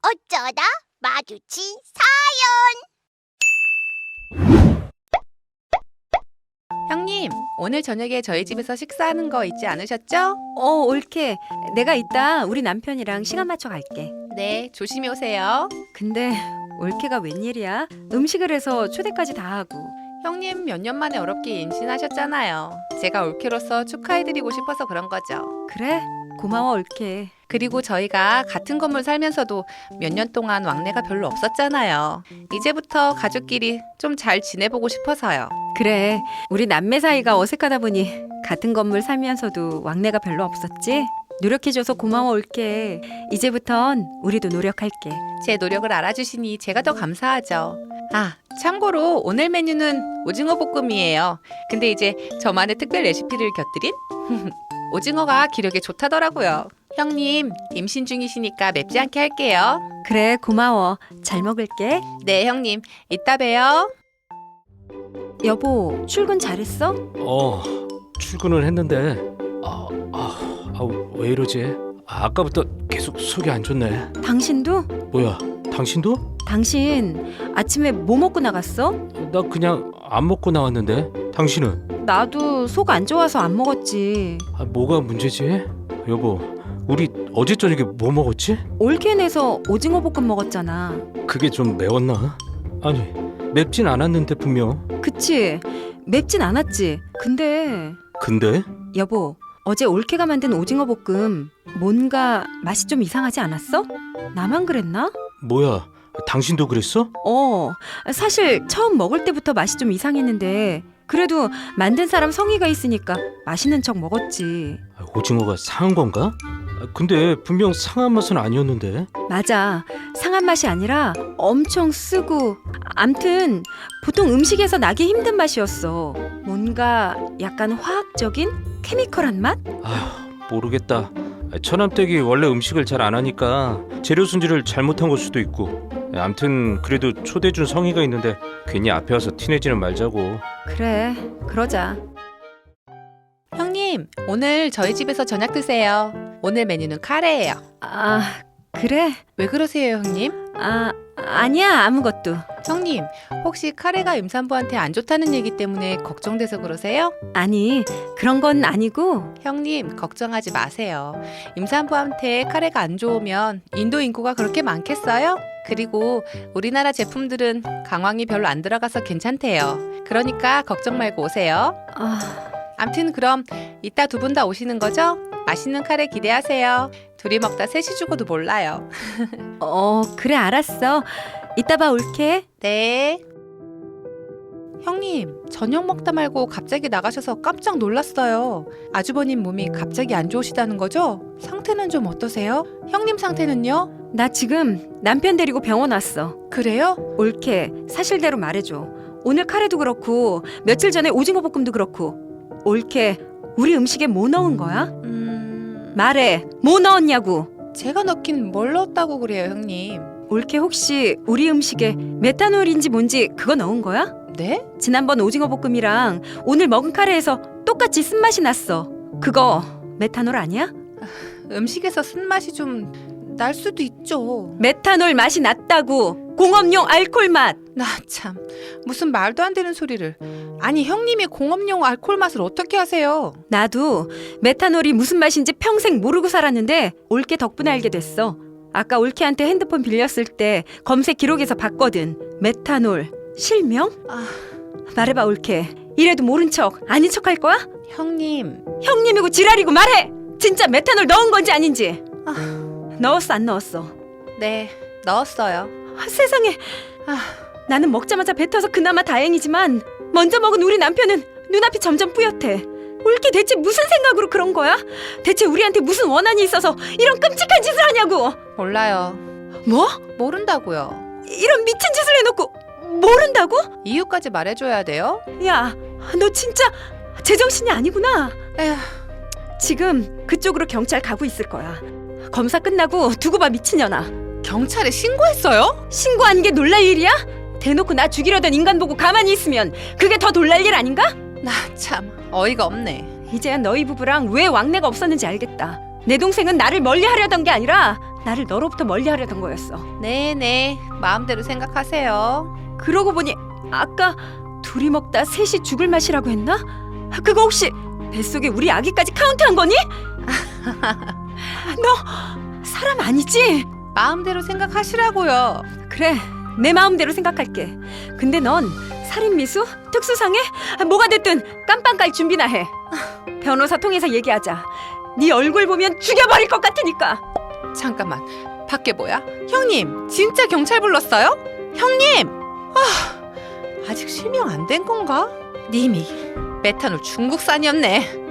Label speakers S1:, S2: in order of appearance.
S1: 어쩌다 마주친
S2: 형님, 오늘 저녁에 저희 집에서 식사하는 거 잊지 않으셨죠?
S3: 옳게. 내가 이따 우리 남편이랑 시간 맞춰 갈게.
S2: 네, 조심히 오세요.
S3: 근데 올케가 웬일이야? 음식을 해서 초대까지 다 하고.
S2: 형님 몇 년 만에 어렵게 임신하셨잖아요. 제가 올케로서 축하해드리고 싶어서 그런 거죠.
S3: 그래? 고마워 올케.
S2: 그리고 저희가 같은 건물 살면서도 몇 년 동안 왕래가 별로 없었잖아요. 이제부터 가족끼리 좀 잘 지내보고 싶어서요.
S3: 그래. 우리 남매 사이가 어색하다 보니 같은 건물 살면서도 왕래가 별로 없었지? 노력해줘서 고마워 올케. 이제부턴 우리도 노력할게.
S2: 제 노력을 알아주시니 제가 더 감사하죠. 아, 참고로 오늘 메뉴는 오징어 볶음이에요. 근데 이제 저만의 특별 레시피를 곁들인 오징어가 기력에 좋다더라고요. 형님, 임신 중이시니까 맵지 않게 할게요.
S3: 그래 고마워. 잘 먹을게.
S2: 네, 형님. 이따 봬요.
S3: 여보 출근 잘했어?
S4: 출근을 했는데 왜 이러지? 아까부터 계속 속이 안 좋네.
S3: 당신도?
S4: 뭐야, 당신도?
S3: 당신 아침에 뭐 먹고 나갔어?
S4: 나 그냥 안 먹고 나왔는데. 당신은?
S3: 나도 속 안 좋아서 안 먹었지.
S4: 뭐가 문제지? 여보, 우리 어제 저녁에 뭐 먹었지?
S3: 올케네서 오징어 볶음 먹었잖아.
S4: 그게 좀 매웠나? 아니, 맵진 않았는데 분명.
S3: 그치? 맵진 않았지. 근데 여보 어제 올케가 만든 오징어 볶음 뭔가 맛이 좀 이상하지 않았어? 나만 그랬나?
S4: 뭐야, 당신도 그랬어?
S3: 사실 처음 먹을 때부터 맛이 좀 이상했는데 그래도 만든 사람 성의가 있으니까 맛있는 척 먹었지.
S4: 오징어가 상한 건가? 근데 분명 상한 맛은 아니었는데.
S3: 맞아. 상한 맛이 아니라 엄청 쓰고 암튼 보통 음식에서 나기 힘든 맛이었어. 뭔가 약간 화학적인 케미컬한 맛?
S4: 모르겠다. 처남댁이 원래 음식을 잘 안 하니까 재료 손질을 잘못한 걸 수도 있고. 암튼 그래도 초대해준 성의가 있는데 괜히 앞에 와서 티내지는 말자고.
S3: 그래 그러자.
S2: 형님, 오늘 저희 집에서 저녁 드세요. 오늘 메뉴는 카레예요.
S3: 그래?
S2: 왜 그러세요, 형님?
S3: 아니야 아무것도.
S2: 형님, 혹시 카레가 임산부한테 안 좋다는 얘기 때문에 걱정돼서 그러세요?
S3: 아니 그런 건 아니고.
S2: 형님, 걱정하지 마세요. 임산부한테 카레가 안 좋으면 인도 인구가 그렇게 많겠어요? 그리고 우리나라 제품들은 강황이 별로 안 들어가서 괜찮대요. 그러니까 걱정 말고 오세요. 암튼 그럼 이따 두 분 다 오시는 거죠? 맛있는 카레 기대하세요. 둘이 먹다 셋이 죽어도 몰라요.
S3: 그래 알았어. 이따 봐 올케.
S2: 네. 형님, 저녁 먹다 말고 갑자기 나가셔서 깜짝 놀랐어요. 아주버님 몸이 갑자기 안 좋으시다는 거죠? 상태는 좀 어떠세요? 형님 상태는요?
S3: 나 지금 남편 데리고 병원 왔어.
S2: 그래요?
S3: 올케 사실대로 말해줘. 오늘 카레도 그렇고 며칠 전에 오징어 볶음도 그렇고. 올케 우리 음식에 뭐 넣은 거야? 말해. 뭐 넣었냐고.
S2: 제가 넣긴 뭘 넣었다고 그래요, 형님?
S3: 올케 혹시 우리 음식에 메탄올인지 뭔지 그거 넣은 거야?
S2: 네?
S3: 지난번 오징어 볶음이랑 오늘 먹은 카레에서 똑같이 쓴맛이 났어. 그거 메탄올 아니야?
S2: 음식에서 쓴맛이 좀 날 수도 있죠.
S3: 메탄올 맛이 났다고. 공업용 알코올 맛.
S2: 나 참, 무슨 말도 안 되는 소리를. 아니, 형님이 공업용 알코올 맛을 어떻게 하세요?
S3: 나도 메탄올이 무슨 맛인지 평생 모르고 살았는데 올케 덕분에 알게 됐어. 아까 올케한테 핸드폰 빌렸을 때 검색 기록에서 봤거든. 메탄올 실명? 말해봐 올케. 이래도 모른 척 아닌 척 할 거야?
S2: 형님.
S3: 형님이고 지랄이고 말해. 진짜 메탄올 넣은 건지 아닌지. 넣었어 안 넣었어?
S2: 네, 넣었어요.
S3: 세상에. 나는 먹자마자 뱉어서 그나마 다행이지만 먼저 먹은 우리 남편은 눈앞이 점점 뿌옇대. 올케 대체 무슨 생각으로 그런 거야? 대체 우리한테 무슨 원한이 있어서 이런 끔찍한 짓을 하냐고.
S2: 몰라요.
S3: 뭐?
S2: 모른다고요.
S3: 이런 미친 짓을 해놓고 모른다고?
S2: 이유까지 말해줘야 돼요?
S3: 야, 너 진짜 제정신이 아니구나.
S2: 에휴.
S3: 지금 그쪽으로 경찰 가고 있을 거야. 검사 끝나고 두고 봐 미친년아.
S2: 경찰에 신고했어요?
S3: 신고한 게 놀랄 일이야? 대놓고 나 죽이려던 인간 보고 가만히 있으면 그게 더 놀랄 일 아닌가?
S2: 나 참 어이가 없네.
S3: 이제야 너희 부부랑 왜 왕래가 없었는지 알겠다. 내 동생은 나를 멀리 하려던 게 아니라 나를 너로부터 멀리하려던 거였어.
S2: 네네, 마음대로 생각하세요.
S3: 그러고 보니 아까 둘이 먹다 셋이 죽을 맛이라고 했나? 그거 혹시 뱃속에 우리 아기까지 카운트한 거니? 너 사람 아니지?
S2: 마음대로 생각하시라고요.
S3: 그래, 내 마음대로 생각할게. 근데 넌 살인미수? 특수상해? 뭐가 됐든 깜빵 갈 준비나 해. 변호사 통해서 얘기하자. 네 얼굴 보면 죽여버릴 것 같으니까.
S2: 잠깐만, 밖에 뭐야? 형님, 진짜 경찰 불렀어요? 형님! 아직 실명 안 된 건가? 님이 메탄올 중국산이었네.